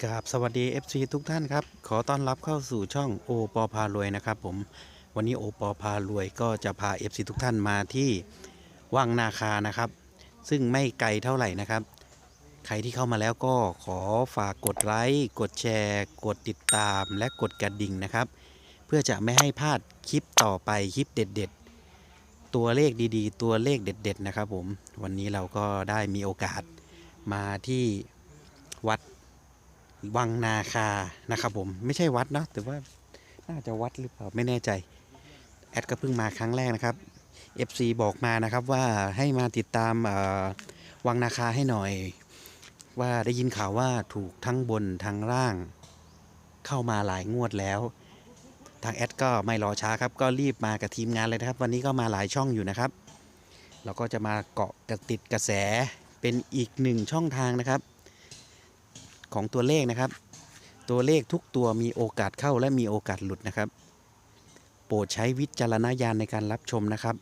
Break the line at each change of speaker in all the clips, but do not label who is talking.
ครับสวัสดี FC ทุกท่านครับขอต้อนรับเข้าสู่ช่องโอปอพารวยนะครับผมวันนี้โอปอพารวยก็จะพา FC ทุกท่านมาที่วังนาคานะครับซึ่งไม่ไกลเท่าไหร่นะครับใครที่เข้ามาแล้วก็ขอฝากกดไลค์กดแชร์กดติดตามและกดกระดิ่งนะครับเพื่อจะไม่ให้พลาดคลิปต่อไปคลิปเด็ดๆตัวเลขดีๆตัวเลขเด็ดๆนะครับผมวันนี้เราก็ได้มีโอกาสมาที่วัดวังนาคานะครับผมไม่ใช่วัดเนาะแต่ว่าน่าจะวัดหรือเปล่าไม่แน่ใจแอดก็เพิ่งมาครั้งแรกนะครับ FC บอกมานะครับว่าให้มาติดตามวังนาคาให้หน่อยว่าได้ยินข่าวว่าถูกทั้งบนทั้งล่างเข้ามาหลายงวดแล้วทางแอดก็ไม่รอช้าครับก็รีบมากับทีมงานเลยนะครับวันนี้ก็มาหลายช่องอยู่นะครับเราก็จะมาเกาะติดกระแสเป็นอีกหนึ่งช่องทางนะครับของตัวเลขนะครับตัวเลขทุกตัวมีโอกาสเข้าและมีโอกาสหลุดนะครับโปรดใช้วิจารณญาณในการรับชมนะครับ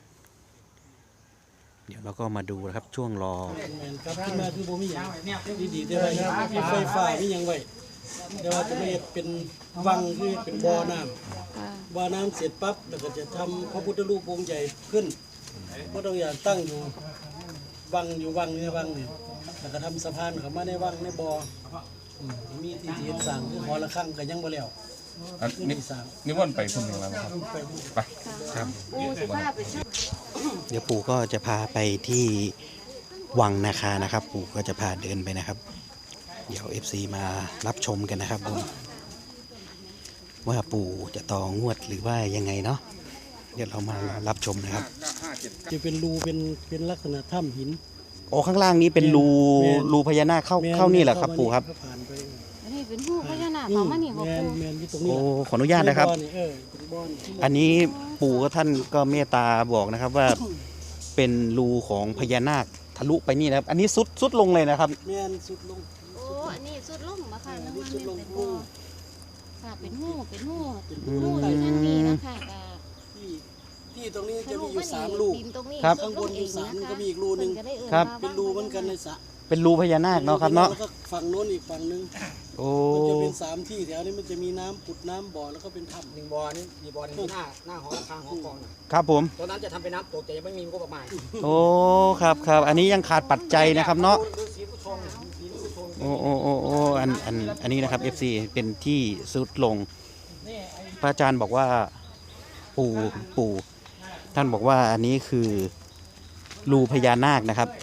เดี๋ยวเราก็มาดูนะครับช่วงรอ
ครับขึ้นมาคือบ่มีหยังดีๆได้ไว้มีไฟฟ้ามีหยังไว้เดี๋ยวว่าจะไม่เป็นวังคือเป็นบ่อน้ำบ่อน้ำเสร็จปั๊บแล้วก็จะทำพระพุทธรูปองค์ใหญ่ขึ้นบ่ต้องอย่างตั้งอยู่วังในวังนี่แล้วก็ทำสะพานเข้ามาในวังในบ่อมีที่เห็นสร้างคือหอระฆังก็ยังบ่แล้ว
นี่ว่นไปคนหนึ่งแล้วครับไป
ครับ
ปูสิพาไปชม
เดี๋ยวปู่ก็จะพาไปที่วังนาคานะครับปู่ก็จะพาเดินไปนะครับเดี๋ยว FC มารับชมกันนะครับผมว่าปู่จะต่องวดหรือว่ายังไงเนาะเดี๋ยวเรามารับชมนะครับ
จะเป็นรูเป็นลักษณะถ้ำหิน
โอ้ข้างล่างนี้เป็นรูพญานาคเข้านี่แหละครับปู่ครับ
ผ่านไป
อันนี้เป็นหูพญานาคเขามานี่บ่ปู
แมนอยู่ตรงนี้
โอ้ขออนุญาตนะครับ
เป็นบ่อนี่
อันนี้ปู่ก็ท่านก็เมตตาบอกนะครับว่าเป็นรูของพญานาคทะลุไปนี่นะครับอันนี้สุดลงเลยนะครับ
แมนสุดลง
โอ้อันนี้สุดลงมาค่ะน้ำมัน
สุดลง
เป็น
หู
บ่อค่ะเป็นหูอยู่ทางนี้นะคะก็
ที่ตรงนี้จะมีอยู่3 ลูก
ดินตรงนี้
ครับ
สุดล
ข้างบนอยู่
เงะ
3
คะ
ก็มีอีกรูหนึ่ง
เพิ่ก็ได้เอ่ย
ครับ
มา
เป็นรูเหมือนกันในสระ
เป็นรูพญานาคเนาะครับเนาะ
แล้วก็ฝั่งโน้นอีกฝั่งหนึง
โอ้
มันจะเป็น3 ที่แถวนี้มันจะมีน้ำปุดน้ำบ่อแล้วก็เป็นถ้ำ
หนึ่งบ่อนี่มีบ่อหนึงที่หน้าหอระฆังหอกองน่ะ
ครับผม
ตอนนั้นจะทำเป็นน้ำตกแต่ยังไม่มีงบประมาณ
โอ้ครับอันนี้ยังขาดปัจจัยนะครับเนาะ
ดูสีผู้ชมสีผู้ชม
โอ้อันนี้นะครับ FC เป็นที่สุดลงพระอาจารย์บอกว่าปู่ท่านบอกว่าอันนี้คือรูพญานาคนะครับ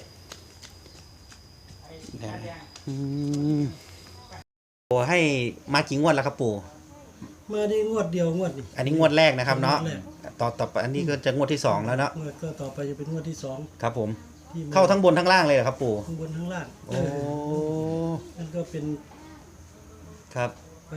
โอ้ให้มากี่งวดแล้วครับปู่
มาได้งวดเดียวงวดนี่
อันนี้งวดแรกนะครับเนาะ
งวดแรก
ต่อไปอันนี้ก็จะงวดที่2แล้วเนาะ
งวดก็ต่อไปจะเป็นงวดที่2
ครับผม
ที่ม
เข้าทั้งบนทั้งล่างเลยเหรอครับปู่
ข้างบนข้างล่าง
โอ้
มันก็เป็น
ครับ
ไป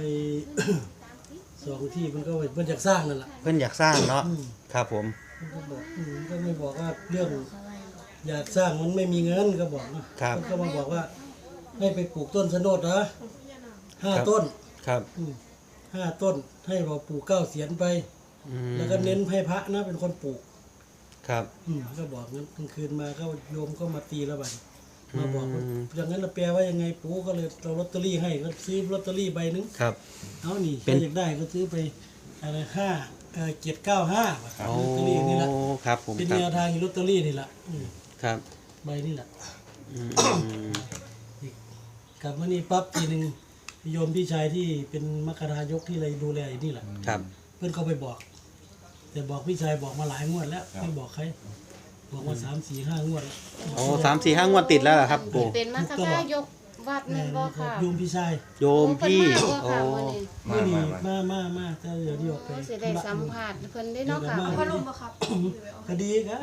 2 ที่มันก็มันอยากสร้างนั่นแหละ
เพื่อนอยากสร้างเนาะครับผม
มันก็บอกมันก็ไม่บอกว่าเรื่องอยากสร้างมันไม่มีเงินก็บอกนะครับ มันก็มาบอกว่าให้ไปปลูกต้นสะโนดนะ5 ต้น
ครับ
5 ต้นให้เราปลูก9 เสียนไป
อืม
แล้วก็เน้นให้พระนะเป็นคนปลูก
ครับ
ก็บอกงั้นกลางคืนมาก็โยมก็มาตีละบัดมาบอกว่าอย่างนั้นเราแปลว่ายังไงปู่ก็เลยเอาลอตเตอรี่ให้ก็ซื้อลอตเตอรี่ใบหนึง
ครับ
เอานี่
เป็น
ใครอยากได้ก็ซื้อไปอะไร795
โอ้
ลอตเตอรี่นี่แหละ
ครับผม
เป็น
ครั
แนว
บ
ทางอยู่ลอตเตอรี่นี่แหละ
ครับ
ใบนี่แหละ
อืม
กลับมานี่ปั๊บทีหนึงโยมพี่ชายที่เป็นมัคคทายกที่อะไรดูแลอยู่นี่แหละ
ครับ
เพื่อนเขาไปบอก แต่บอกพี่ชายบอกมาหลายงวดแล้วไม่บอกใครบอกมา3-4-5 งวดแล้ว
โอ้3-4-5 งวดติดแล้วเหรอครับปู่
เป็นมัคคทายกวัดแม่นบ่ค่ะ
โยมพี่ชาย
โยมพี่
โอ้
โอ้
เพิ่นมาบ่ค่ะมื้อนี้
มาแต่เดี๋ยวนี้ออกไป
โอ้สิได้สัมภาษณ์เพิ่นได้เนาะค่ะ
พลุบ่ครับก็ดีครับ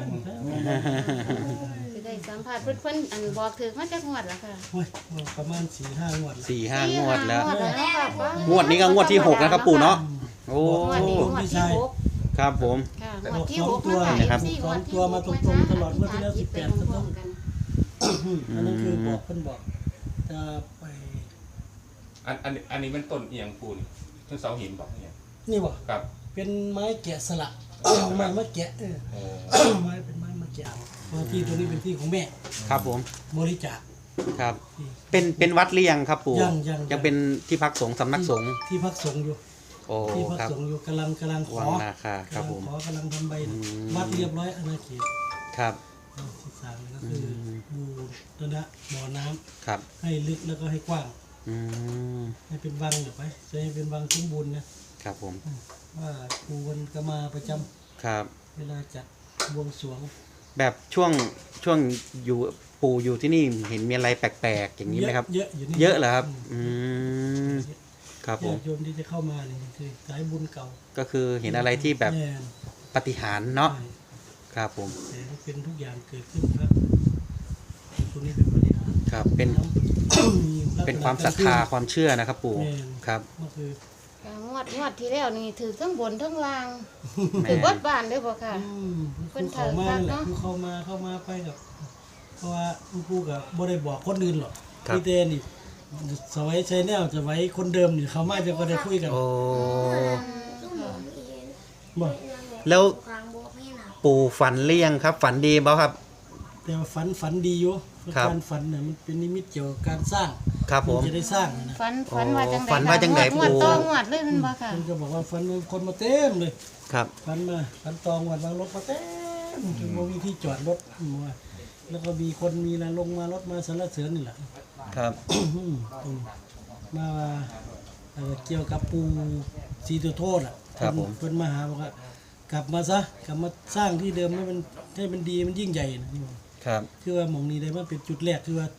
สิได้สัมภาษณ์เพิ่นอันบอกถึกมาจากงวดละค่ะ
โอ้ยประมาณ4-5 งวดแล้ว
4-5 งวดแล้ว
งวดแล้วเนาะค่ะ
งวดนี้ก็งวดที่6นะครับปู่เนาะโอ้
งวดนี้งวดที่หก
ครับผม
ค่ะง
บ
ว
อ
ด
ก
ที่
สอง
6
ตัว
นะคะ
นะครับ
สี่งวดที่
ตัวมาตรงๆตลอดงวดที่แล้ว
คิดไป
18
พร้อมๆกัน
อันนั้นคือบอกเพิ่นบอกจะไป
อันนี้มันต้นเอียงปูนี่ต้นเสาหินบอกเนี่ย
นี่บ่
ครับ
เป็นไม้แกะสลักไม้มะแกะ
โอ้
ไม้เป็นไม้มะแกะมาที่ตรงนี้เป็นที่ของแม่
ครับผม
บริจาค
ครับ เป็นวัดหรือยังครับปู่
ยัง
เป็นที่พักสงฆ์สำนักสงฆ์
ที่พักสงฆ์อยู่
โอ้
ที่พัก
ครับ
สงฆ์อยู่กำลังขอ
วังนาคาครับผม
ขอกำลังทำใบ
อืม
วัดเรียบร้อยอาณาเขต
ครับ
ที่สามก็คือบูรณะบ่อน้ำ
ครับ
ให้ลึกแล้วก็ให้กว้าง
อืม
ให้เป็นวังเดี๋ยวไปจะให้เป็นวังสมบูรณ์นะครับ
ผม
ว่าครูวันก็มาประจำ
ครับ
เวลาจัดบวงสรวง
แบบช่วงอยู่ปู่อยู่ที่นี่เห็นมีอะไรแปลกๆอย่างนี้ไหมครับ
เยอะอยู่นี่
เยอะเหรอครับ อืมครับผม
ญาติโยมที่จะเข้ามาเนี่ยคือสายบุญเก่า
ก็คือเห็นอะไรที่แบบ
แน่น
ปาฏิหาริย์เนาะ
ใช่
ครับผม
แต่เป็นทุกอย่างเกิดขึ้นครับตรงนี้เป็นปฏิหารย์
ครับเป็น
มีลักษณะ
เป็นความศรัทธาความเชื่อนะครับปู่
แม่น
ครับ
ก็คือ
งวดที่แล้วนี่ถือทั้งบนทั้งล่าง
แม่
ถือวัดบ้านเด้อบ่ค่ะ
ค
เพิ่
รู
น
เข้ามา
เถิด
แห
ครั
ละ
บ
ครูเข้ามาไปกับ เพราะว่าคุณครูกับบ่ได้บอกคนอื่นหรอก
ครับ
พี่เตนี่สวัยใช้แนวจะไว้คนเดิมนี่เขามาจะก็ได้คุยกัน
โอ้
บอก
แล้วปู่ฝันหรือยังครับ ฝันดีเปล่าครับ
แต่ว่าฝันดีอยู่
ครับ
การฝันเนี่ยมันเป็นนิมิตเกี่ยวกับการสร้าง
ครับผม
นจะได้สร้างนะ
ฝันว่าจังได๋
ฝันว่าจังใด
งวด
ปู่
ต่องวดเลยมันบ่ค่ะ
มันก็บอกว่าฝันมีคนมาเต็มเลย
ครับ
ฝันตองวันวางรถมาเต็มจนบ่มีที่จอดรถว่าแล้วก็มีคนมีอะไรลงมารถมาสรรเสริญนี่แหละ
ครับ
มาเกี่ยวกับปูสีตัวโทษอ่ะ
ครับผม
เพิ่นมาหาบอกว่ากลับมาซะกลับมาสร้างที่เดิมให้มันดีมันยิ่งใหญ่นะครับ คือว่าหมองนี้ได้มันเป็นจุดแรกคือว่า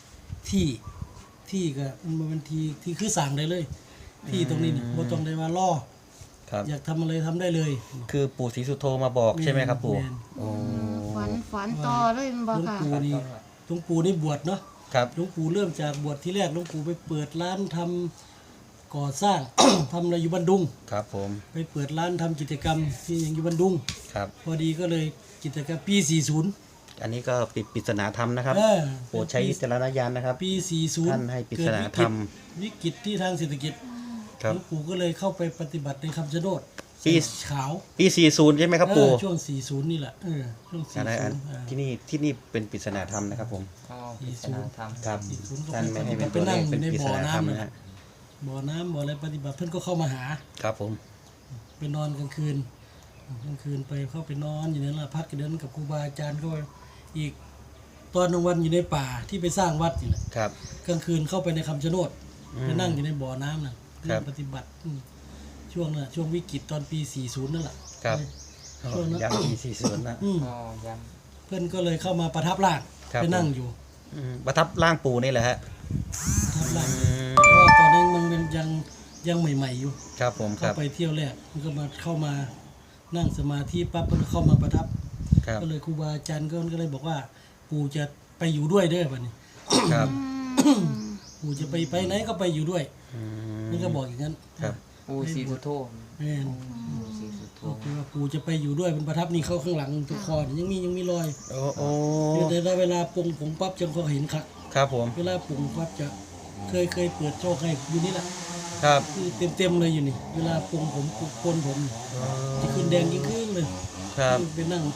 ที่ก็มันเป็นที่คือสั่งได้เลย ที่ตรงนี้นี่บ่ต้องได้ว่าล่อ
ครับ
อยากทำอะไรทำได้เลย
คือปู่ศรีสุโธมาบอกใช่ไหมครับปู่
แม่น
โอ้
ฝันต่อเลยมันบ่
หลวง
ค่ะ
ปู่นี่บวชเนาะ
ครับ
หลวงปู่เริ่มจากบวชที่แรกหลวงปู่ไปเปิดร้านทำก่อสร้าง ทำอะไรอยู่บันดุง
ครับผม
ไปเปิดร้านทำกิจกรรมที่ยังอยู่บันดุง
ครับ
พอดีก็เลยกิจกรรมปี 40
อันนี้ก็ปิดปริศนาธรรมนะครับ
เออ
โปรดใช้วิจารณญาณนะครับ
ปี 40
ท่านให้ปริศนาธรรม
วิกฤตที่ทางเศรษฐกิจ
ครั
ห
บ
ลวงปู่ก็เลยเข้าไปปฏิบัติในคำชะโนด
ปี
ขาว
ปี40ใช่ไหมครับปู่
ช่วง 40 นี่แหละช่วง
อันนั้นอัน
40
ที่นี่เป็นปริศนาธรรมนะครับผม ครับ
40
ท่านไม่ให้เป็นตัวเลขเป็นปริศนาธรรมนะฮะ
บ่อน้ำบ่ออะไรปฏิบัติเพื่อนก็เข้ามาหา
ครับผม
ไปนอนกลางคืนไปเข้าไปนอนอยู่ในละพักกันเดินกับครูบาอาจารย์ก็อีกตอนกลางวันอยู่ในป่าที่ไปสร้างวัดนี่แหละ
ครับ
กลางคืนเข้าไปในคำชะโนด
อืม
ไปนั่งอยู่ในบ่อน้ำน่ะ
ครับ
ปฏิบัติช่วงน่ะช่วงวิกฤตตอนปี 40 นั่นแหละ
ครับ
ช่วงนั้น
ยังปี40นะ
อืมเพื่อนก็เลยเข้ามาประทับร่าง
ครับ
ไปนั่งอยู่
ประทับร่างปู่นี่แหละฮะ
ประทับร่าง
อืม
เพราะว่าตอนนั้นมันยังใหม่ๆอยู่
ครับผมค
เข้า
รับ
ไปเที่ยวแรกมันก็เข้ามานั่งสมาธิปั๊บมันก็เข้ามาประทับ
ครับ
ก็เลยครูบาอาจารย์ก็เลยบอกว่าปู่จะไปอยู่ด้วยเด้อบัดนี้
ครับ
ปู่จะไปไหนก็ไปอยู่ด้วย
อืม
มันก็บอกอย่างนั้น
ครับ
ปูสีสุโธ
แม่น
สีสุโธ
ก็คือว่าปู่จะไปอยู่ด้วยมันประทับนี่เข้าข้างหลังตัวคอนี่ยังมีรอย
โอ้โอ้
แต่เวลาปรุงผงปั๊บจังก็เห็นครับ
ครับผม
เวลาปรุงปั๊บจะเคยเปิดโชคให้อยู่นี่แหละ
ครับ
คือเต็มเลยอยู่นี่ เวลาปรุงผมปนผมจะขึ้นแดงยิ่งขึ้นเลย
ครับ
ไปนั่ง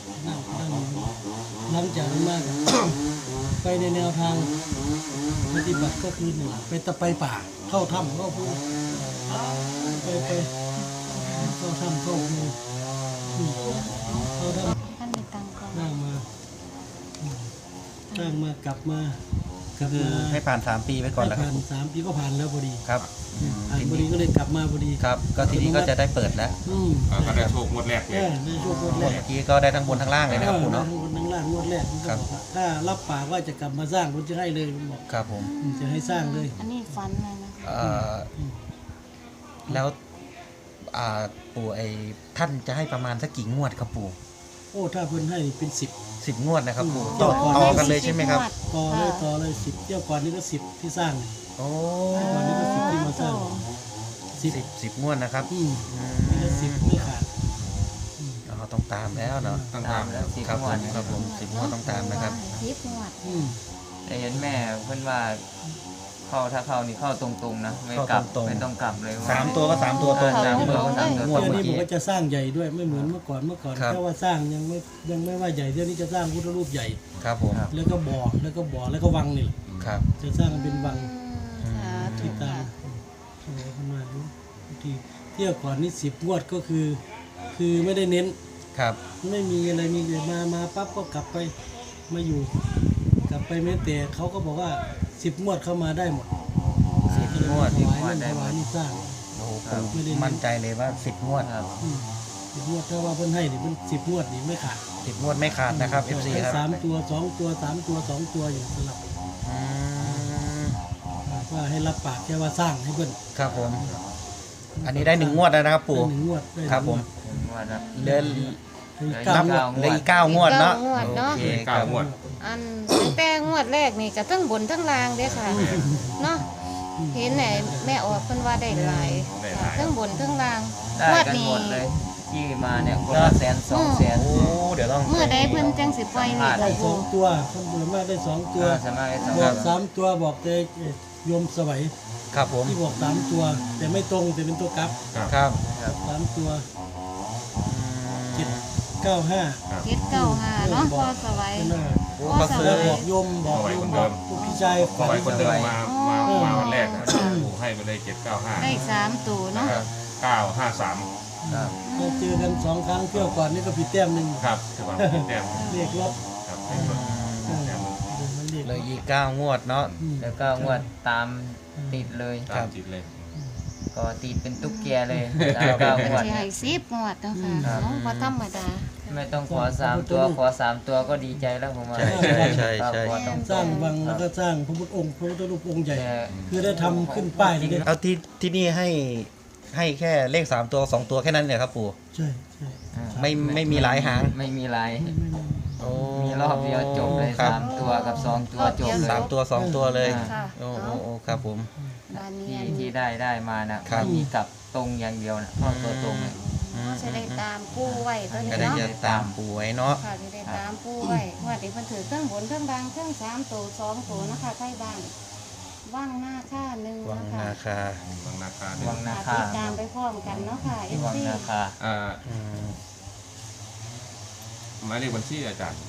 หลังจากนั้นมาก ไปในแนวทางปฏิบัติก็คือหนึ่งไปป่าเข้าถ้ำเข้าภูไปเข้าถ้ำเข้าภูเข้าถ้
ท่านมีตังค์ก่อน
ำนั่งมากลับมา
คือให้ผ่าน3ปีไปก่อนแล้วครั
ผ่า
บ
น3 ปีก็ผ่านแล้วพอดี
ครับ
ผ่านพอดีก็เลยกลับมาพอดี
ครับ ก็ทีนี้ก็จะได้เปิดแล้ว
ก็ได้โชคงวดแรกเลย
ในช่วงงวดแร
เมื่
ก
อกี้ก็ได้ทั้งบนทั้งล่างเลยนะครับปู่เนาะ
ทั้งล่างงวดแรกมันก็
ครับ
บอกว่าถ้ารับปากว่าจะกลับมาสร้างผมจะให้เลยผมบอก
ครับผม
จะให้สร้างเลย
อันนี้ฝันเลยนะ
แล้วปู่ท่านจะให้ประมาณสักกี่งวดครับปู่
โอ้ถ้าเพิ่นให้เป็น
10 งวดนะครับปู่
ต่อ
ต่อกันเลยใช่ไหมครับ
ต่อเลย10เที่ยวก่อนนี่ก็10ที่สร้าง
โอ้
ก่อนนี้ก็10ที่มาสร้าง
10 งวดนะครับ
นี่ก็10ไม่ขาด
เราต้องตามแล้วเนาะ
ต้องตามแล้ว
ครับผมครับผม10 งวดต้องตามนะครับ
10 งวด
อืม
แต่เห็นแม่เพิ่นว่าถ้าเข้านี่เข้าตรงๆนะไม่กลับ
เข้าตรงๆ
ไม่ต้องกลับเลย
3 ตัวก็ 3 ตัวตรง
สามตัวก็สามตัว
งวด
เที่ยว
เมื่อ
นี้ผม
กี้
ก็จะสร้างใหญ่ด้วยไม่เหมือนเมื่อก่อน
ครับ
แค่ว่าสร้างยังไม่ว่าใหญ่เที่ยวนี้จะสร้างพุทธรูปใหญ่
ครับผม
แล้วก็บ่อแล้วก็วังนี่แหละ
ครับ
จะสร้างเป็นวัง
สาธุ
ที่ตามสวยขึ้นมาดูที่เที่ยวก่อนนี่10 งวดก็คือไม่ได้เน้น
ครับ
ไม่มีอะไรมีแต่มาปั๊บก็กลับไปมาอยู่กลับไปแม้แต่เขาก็บอกว่า10 งวดเข้ามาได้หมด
10 งวด
ถวายนั่นถวายนี่สร้าง
โอ้โหผมมั่นใจเลยว่า 10 งวด
ครับ
10 งวดถ้าว่าเพิ่นให้นี่มัน10 งวดนี่ไม่ขาด
10 งวดไม่ขาดนะครับ FC
ให้
ครับ
3 ตัว2 ตัว3 ตัว2 ตัวอยู่สลับ
อืม
ว่าให้รับปากแค่ว่าสร้างให้เพิ่น
ครับผม อันนี้ได้1 งวดแล้วนะครับปู่
ได้1 งวดได้
ครับผม
ถึงว่านะ
เดือน
เก้า
นับ
งวด
เหลยอีก9 งวดเนาะ
9 งวดเนาะ
โอเคค
เก้า
รับ
งวด
อันตั้งแต่งวดแรกนี่ก็ทั้งบนทั้งล่างเด้อค่ะเนาะเห็นไหนแม่ออกเพิ่นว่าได้หลาย
ได้หลาย
ทั้งบนทั้งล่าง
ได้
งวด
กัน
นี้
หมดเลยที่มาเนี่ยคนละ100,000 200,000
โอ้เดี๋ยวต้อง
เมื่อใดเพิ่นจังสิปล่อยนี่
ได้
ก็
2 ตัวข้างบนมากได้2 ตัว
สามารถได้สอง
บอก3 ตัวบอกแต่โยมสวัย
ครับผม
ที่บอก3 ตัว แต่ไม่ตรงแต่เป็นตัวกลับ
ครับ
3 ตัว 795
795เนาะพอสวัย
เป็นว่า
โอ้ก็ซื้อ
แล้วบอกโยมบอกพี่ชาย
ขอ
ฝัน
ไว้คนเดิมมาวันแรกนะปู่ให้ไปเลย795
ได้3ตัวเนาะ
953
ครับ
เราเจอกัน 2 ครั้งเที่ยวก่อนนี่ก็ผิดแต้มหนึ่ง
ครับคือว่าแต้ม
เรียกรถ
ครับให้ลดแต้ม
มันเรียก
เลยอีก9 งวดเนาะ
แล้วก็งวดตามติดเลย
ตามจิตเลย
ก็ติดเป็นตุ๊กแกเลยแล้วก็งวด
สิให้10งวดเนาะค่ะ
ครับ
เนาะบ่ธรรมดา
ไม่ต้องขอ3 ตัวขอ3 ตัวก็ดีใจแล้วผมว่า
ใช่ใช่
ครับ
ใช่
ขอต้อง
สร้างวังแล้วก็สร้างพระพุทธองค์พระพุทธรูปองค์ใหญ่
แต่
คือได้ทำขึ้นป้ายเลยนะ
เอาที่นี่ให้แค่เลข3 ตัว 2 ตัวแค่นั้นเนี่ยครับปู่
ใช่ใช่
ไม่มีหลายหาง
ไม่มีหลาย
โอ้
มีรอบเดียวจบเลย
ครับ
3 ตัวกับ 2 ตัวจบเลย
3 ตัว 2 ตัวเลย
ค่ะ
โอ้โอ้โอ้ครับผม
บ้านนี้
ที่ได้มานะครับ ไม่มีกลับตรงอย่างเดียวนะเพราะตัวตรงเลย
จะได้ตามผู้ไว้ตัวนี้
ก็ได้
เนาะ
จะตามปู่ไว้เนาะ
ค่ะจะได้ตามผู้ไว้ว่าเดี๋ยวเพิ่นถือเครื่องบนเครื่องบางเครื่อง3ตัว2ตัวนะคะใกล้บ้านว่างหน้าค่าหนึ่ง
วัง
นะคะ
นาคา
บางนาคา
วังนา
ค่ะ
คา
ติดตามไปพร้อมกันเนาะค่ะ
วัง
FC
นาคา
อืม
หมายเลขบัญชีอาจารย์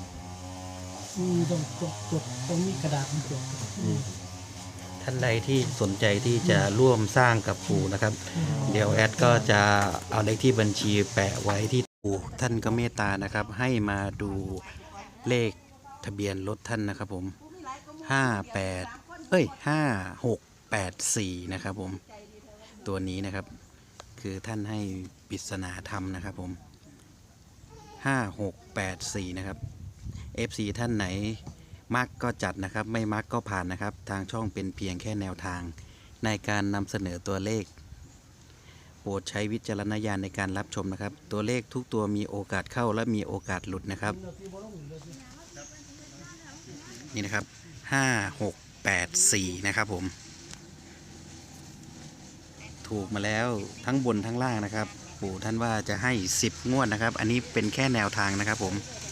ต้องมีกระดาษจด
ท่านใดที่สนใจที่จะร่วมสร้างกับปู่นะครับ เดี๋ยวแอดก็จะเอาเลขที่บัญชีแปะไว้ที่ปู่ท่านก็เมตตานะครับ ให้มาดูเลขทะเบียนรถท่านนะครับผม5684นะครับผมตัวนี้นะครับ คือท่านให้ปริศนาธรรมนะครับผม5684นะครับ FC ท่านไหนมักก็จัดนะครับ ไม่มักก็ผ่านนะครับ ทางช่องเป็นเพียงแค่แนวทางในการนำเสนอตัวเลข โปรดใช้วิจารณญาณในการรับชมนะครับ ตัวเลขทุกตัวมีโอกาสเข้าและมีโอกาสหลุดนะครับนี่นะครับ5684นะครับผมถูกมาแล้วทั้งบนทั้งล่างนะครับ ปู่ท่านว่าจะให้10 งวดนะครับ อันนี้เป็นแค่แนวทางนะครับผม